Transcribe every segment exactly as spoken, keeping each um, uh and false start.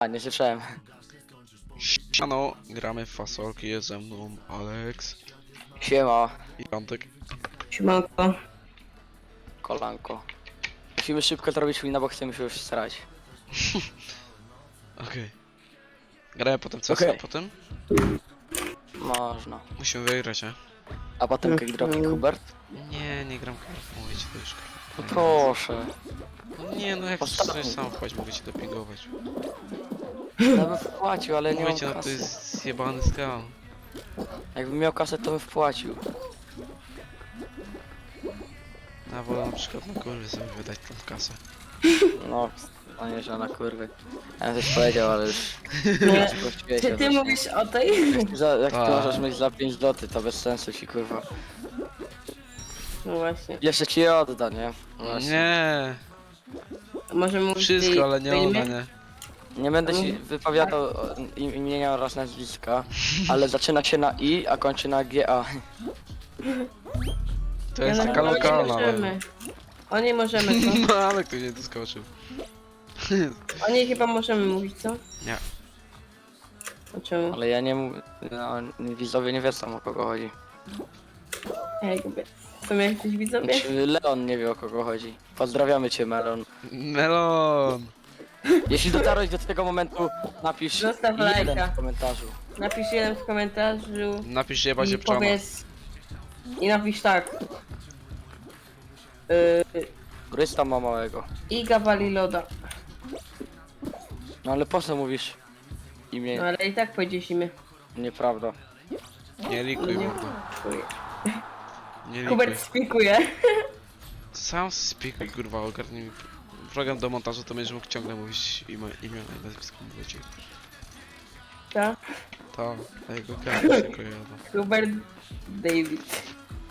A, nie słyszałem. Siano, gramy w fasolki, jest ze mną Alex Siema, i Piątek. Siemanko. kolanko. Musimy szybko zrobić wina, bo chcemy się już starać. Okej. Okay. Gramy potem co? Okej. A potem? Można. Musimy wygrać, nie? A potem cake dropping, Hubert? Nie, nie gram kartą, mówię ci to już. No proszę. No nie, no jak Postaram. chcesz sam wchodź, mogę ci dopingować. Ja bym wpłacił, ale nie Mówię mam ci, no to kasy. jest zjebany skam. Jakbym miał kasę, to bym wpłacił. Ja wolę na przykład na kurwy sobie wydać tą kasę. No, a nie, że na kurwy. Ja bym coś powiedział, ale już... Nie. Sprościłeś Czy się ty dość. mówisz o tej? Za, jak ty A. możesz mieć za pięć złotych, to bez sensu ci kurwa. No właśnie. Jeszcze ci je odda, nie? Właśnie. Nie, Możemy mówić wszystko, tej- ale nie tej ona, imię? nie. Nie będę ci wypowiadał o, im- imienia oraz nazwiska, ale zaczyna się na I, a kończy na G A. To jest Ja taka na- lokalna, O nie ale... możemy. O nie możemy, co? No ale ktoś nie doskoczył. O nie chyba możemy mówić, co? Nie. O czemu? Ale ja nie mówię, no, widzowie nie wiedzą o kogo chodzi. Jakby. Są jakieś widzowie? Czy Leon nie wie o kogo chodzi. Pozdrawiamy cię, Melon. Melon! Jeśli dotarłeś do tego momentu, napisz Zostaw jeden lajka. w komentarzu. Napisz jeden w komentarzu Napisz jeba się i pczona. powiedz... I napisz tak. Yy, Brysta ma małego. Iga wali loda. No ale po co mówisz No imię? ale i tak powiedziesz imię. Nieprawda. Nie likuj, Nie. mordo. Nie likuj. Hubert spikuje. Sam spikuj, kurwa, ogarnij mi program do montażu, to będziesz mógł ciągle mówić imię, imię i nazwisko do ciebie. Tak? To, a jego karty się kojarzą. Hubert David.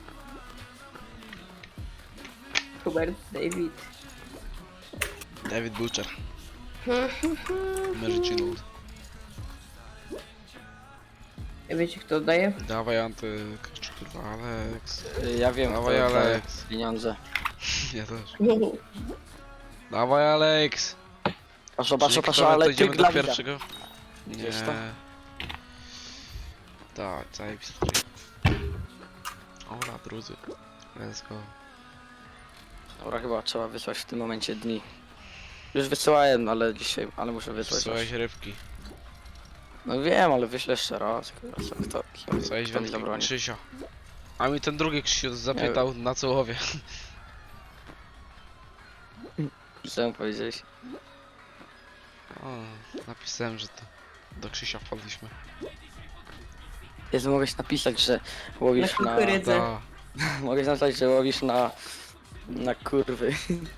Hubert David. David Butcher. Merginald. Wiecie kto daje? Dawaj anty... kurwa, Alex. Y, Ja wiem, Dawaj, kto daje Alex. pieniądze. Ja też. Dawaj Alex! Proszę, proszę, Czyli proszę, kto, ale to ty idziemy do dla widza. pierwszego? Nie. Gdzieś to? Tak, zajebisty. Ola, drudzy. Let's go. Dobra, chyba trzeba wysłać w tym momencie dni. Już wysyłałem, ale dzisiaj, ale muszę wysłać. Wysłałeś rybki. No wiem, ale wyślę jeszcze raz. Kurwa, co- Kto, kto, Wysłałeś kto mi wędki zabroni? Krzysio. A mi ten drugi Krzysio zapytał na co łowie. Co mu powiedziałeś? O, napisałem, że to do Krzysia wpadliśmy. Jezu, mogłeś napisać, że łowisz Na na... kukurydzę. Da. Mogłeś napisać, że łowisz na... na kurwy.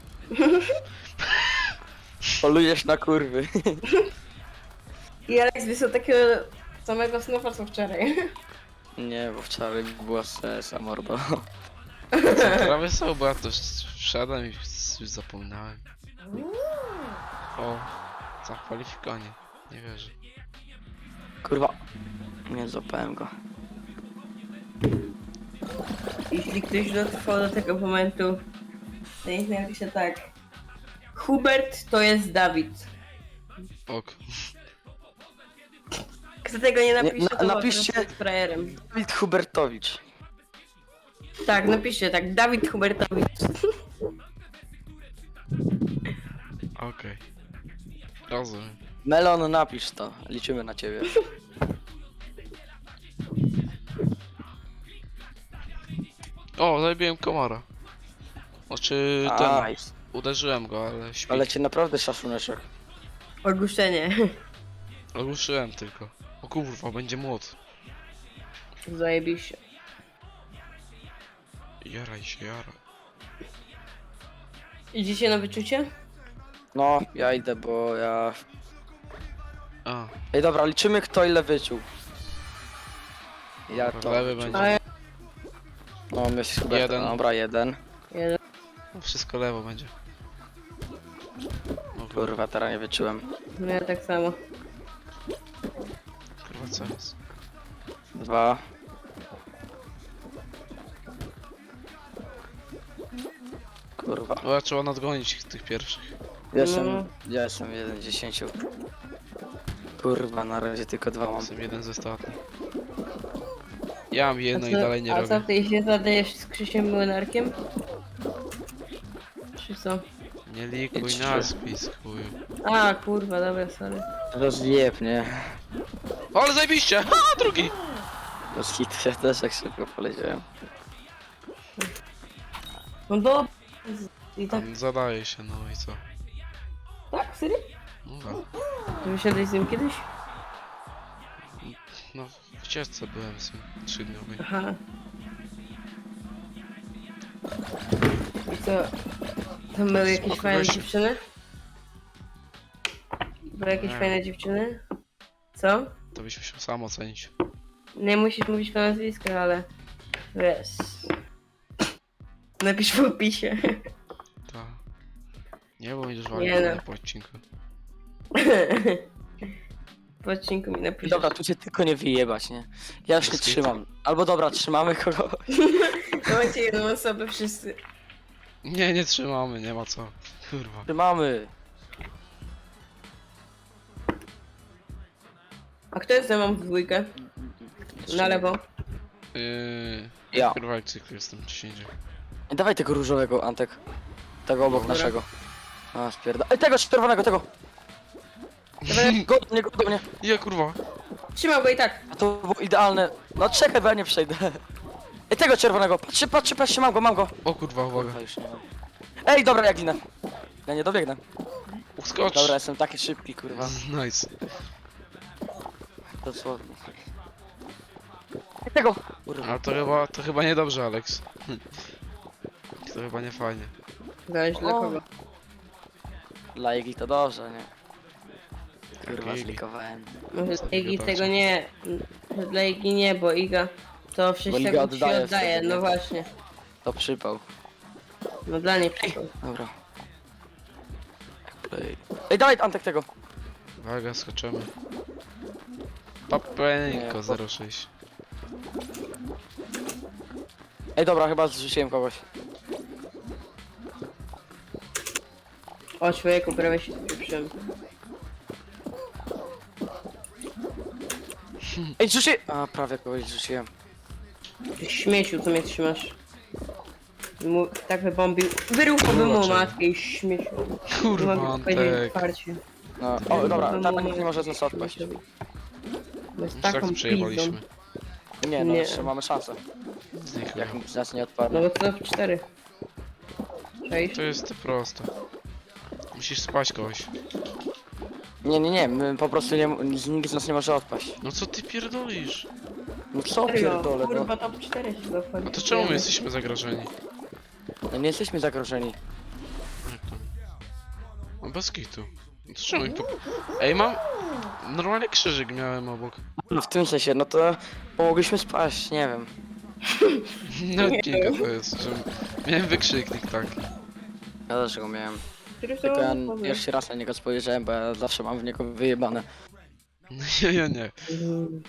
Polujesz na kurwy. I Alex wysłał takiego samego snufa co wczoraj. Nie, bo wczoraj była stresa, mordo. Prawie są, bo ja to wszedłem i już zapomniałem. O, zakwalifikowanie. Nie wierzę. Kurwa. Nie złapałem go. Jeśli ktoś dotrwał do tego momentu, to niech napisze tak. Hubert to jest Dawid. Ok. Kto tego nie napisze, na- to po napiszcie- prostu jest frajerem. Dawid Hubertowicz. Tak, napiszcie tak. Dawid Hubertowicz. Okej. Rozumiem. Melon, napisz to. Liczymy na ciebie. O, zabiłem komara. Znaczy ten, Nice. uderzyłem go, ale śpi. Ale cię naprawdę szacuneczek. Ogłuszenie. Ogłuszyłem tylko. O kurwa, będzie młot. Zajebiście. Jaraj się, jaraj. Idziecie na wyczucie? No, ja idę, bo ja... A, Ej, dobra, liczymy kto ile wyczuł. Ja Dobra, to lewy wyczułem. będzie. A ja... No, my z Hubertem. Jeden. Dobra, jeden. Jeden. no wszystko lewo będzie. O kurwa, Kurwa, teraz nie wyczułem. No ja tak samo. kurwa co jest? Dwa. Kurwa. O, trzeba nadgonić tych pierwszych. Ja jestem, No. ja jestem jeden z dziesięciu. Kurwa, na razie tylko dwa mam. Jestem jeden ze ostatnich. Ja mam jedno i co, dalej nie a co, robię. ty się zadajesz z Krzysiem Młynarkiem? Czy co? Nie likuj Trzy. nazwisk, chuju. A, kurwa, dobra, sorry. Rozjeb, nie? O, ale zajebiście! Ha, drugi! No z hit ja też tak szybko poleciałem. No do... I tak, Tam zadaje się, no i co? tak, serio? No, tak. Ty wysiadłeś z nim kiedyś? no w ścieżce byłem z nim trzydniowej. Aha. I co? Tam były jakieś Spoko, fajne gościu. dziewczyny? Były jakieś Nie. fajne dziewczyny? Co? To byś musiał sam ocenić. Nie musisz mówić po nazwisku, ale... Wiesz... Napisz w opisie. Tak. Nie, bo będziesz Nie walił no. po odcinku. W odcinku mi napisz. Dobra, tu cię tylko nie wyjebać, nie? Ja już nie Bez kitu. trzymam. Albo dobra, trzymamy kogo. Macie jedną osobę wszyscy. Nie, nie trzymamy, nie ma co. Kurwa. Trzymamy. A kto jest ze mną w dwójkę? Na lewo. Yy, Ja. Kurwa, jak cykl jestem gdzieś indziej. Dawaj tego różowego, Antek. Tego obok Dobra. naszego. A, spierda... Ej, tego czerwonego, tego! Dawaj, Go do mnie, go do mnie. Je, kurwa. trzymał go i tak. A to było idealne. No czekaj, bo ja nie przejdę. Ej, tego czerwonego. Patrzcie, patrzcie, patrzcie, mam go, mam go. O kurwa, uwaga. Kurwa, już nie mam. Ej, dobra, ja ginę. Ja nie dobiegnę. Uskocz. Dobra, jestem taki szybki, kurwa. Nice. Dosłownie. Ej, tego! Kurwa. Ale to chyba, to chyba niedobrze, Alex. To chyba nie fajnie. Zależy dla O. kogo. Dla Igi to dobrze, nie? Kurwa, Igi. zlikowałem. Może Co dla Igi gadacie? tego nie. Że dla Igi nie, bo Iga to w sześć Iga sekund się oddaje oddaje. wtedy, No nie? właśnie. To przypał. No dla niej przyszło. Dobra. Play. Ej, dawaj Antek tego. Uwaga, skoczymy. Papeńko Nie, zero sześć. Ej, dobra, chyba zrzuciłem kogoś. O, człowieku, prawie się spieprzyłem. Ej, zrzuci... A, prawie kogoś zrzuciłem. Ty śmieciu, co mnie trzymasz? Mu, tak wybombił. Wyruchałbym mu Kurwa, matkę i śmieciu. Nie Kurwa, mogę powiedzieć Antek. otwarcie. No, o, dobra, Wyruchałbym ta mu nikt nie może z nas matkę, odpaść. Bo jest Już tak taką to przejebaliśmy. pizdą. Nie, no, Nie. jeszcze mamy szansę. Z nich Jak chuja. nikt z nas nie No odpadnie. bo to w cztery. Cześć. To jest proste. Musisz spać kogoś. Nie, nie, nie, my po prostu nie... Nikt z nas nie może odpaść. No co ty pierdolisz? No co Serio, pierdolę, no. kurwa, top cztery się zachodzi. A to czemu my jesteśmy zagrożeni? No nie jesteśmy zagrożeni. Jak to? No bez kitu. No to czemu mi po... Ej, mam... Normalnie krzyżyk miałem obok. No w tym sensie, no to... Mogliśmy spaść, nie wiem. No odcinka to jest, że... Miałem wykrzyknik taki. Ja też go miałem. Który to Tylko ja powie? pierwszy raz na niego spojrzałem, bo ja zawsze mam w niego wyjebane. No ja, ja nie. Mhm.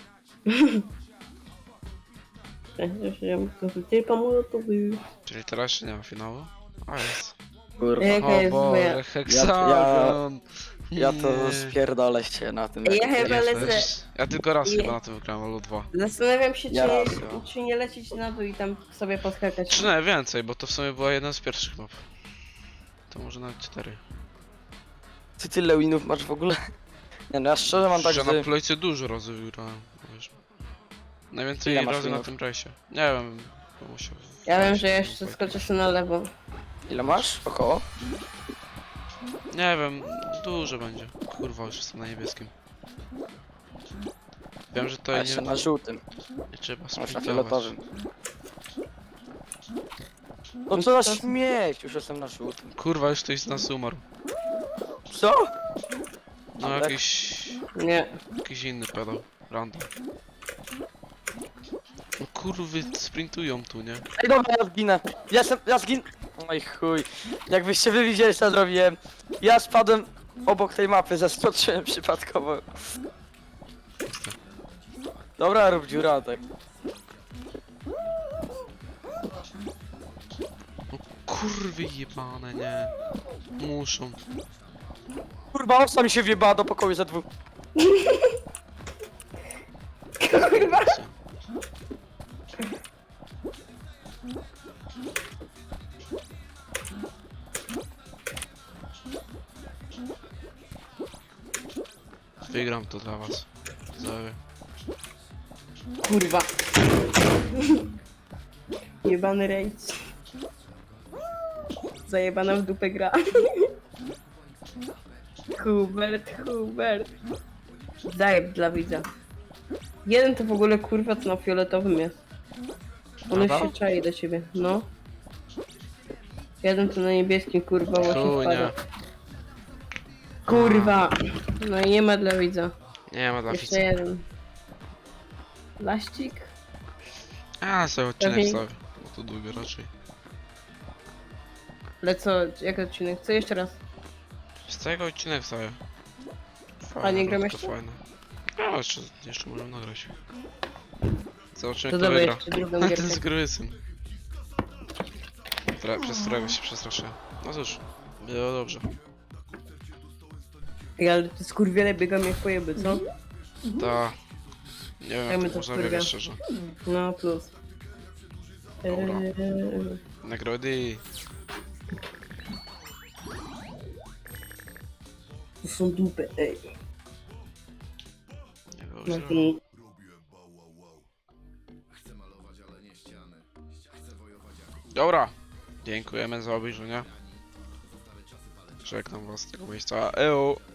Ty pomocy. Czyli teraz jeszcze nie ma finału? A jest. Kurwa. Jaka O jest moja? Boże, heksagon! Ja to Nie. spierdolę się na tym. Ja chyba Ja lecę. też. Ja tylko raz Nie. chyba na tym wygrałem, albo dwa. Zastanawiam się, Ja czy, raz, ja. czy nie lecieć na dół i tam sobie podskakać. Czy nie, więcej, bo to w sumie była jedna z pierwszych map. To może nawet cztery. Ty tyle winów masz w ogóle? Nie no, ja szczerze mam tak, Że że... na plejce dużo razy wygrałem, wiesz. Najwięcej Ile masz razy na minut? tym rejsie. Nie wiem, bo musiał... Ja wiem, że jeszcze skoczę sobie na lewo. Ile masz? Około? Nie wiem, dużo będzie. Kurwa, już jestem na niebieskim. Wiem, że to A nie, jeszcze na żółtym. nie trzeba Masz na sprintować. fioletowym. No co za śmieć, już jestem na żółtym. Kurwa, już ktoś z nas umarł. Co? No Antek? jakiś... Nie. jakiś inny pedał. Random. No kurwy sprintują tu, nie? Ej dobra, ja zginę. Ja jestem, ja zginę. Oj chuj. Jakbyście wy widzieli co zrobiłem. Ja spadłem obok tej mapy, zaskoczyłem przypadkowo. Dobra, rób dziura tak. Kurwy jebane, nie. Muszą. Kurwa, owca mi się wjebała do pokoju za dwóch. Kurwa. Wygram to dla was. Zawie. Kurwa. Jebany rejs. Zajebana w dupę gra. Hubert, Hubert. Zajeb dla widza. Jeden to w ogóle kurwa to na fioletowym jest. On już Prawda? się czai do ciebie, no. Jeden to na niebieskim kurwa właśnie Chunia. wpada. Kurwa. No i nie ma dla widza. Nie ma dla Jeszcze fica. jeden. Laścik? A, sobie odcinek Lepiej. wstawię. Bo to długo raczej. Ale co, jak odcinek? Co jeszcze raz? Z tego odcinek wstawię. A nie gram rundka jeszcze? Fajne. No, jeszcze, jeszcze możemy nagrać. Zobaczymy To kto dawaj wygra. jeszcze drugą Ten gierkę. skurwysyn. Która, przez którego się przestraszyłem. No cóż, było dobrze. Ej, ale te skurwiele biegam jak pojeby, co? Ta. Nie wiem Jak jak my to to można wkurwia. biegać szczerze. No plus. Dobra. Eee, Nagrody. to są dupy, ej. Nie było No źle. to... Dobra. Dziękujemy za obejrzenie. Żegnam was z tego miejsca. Eo.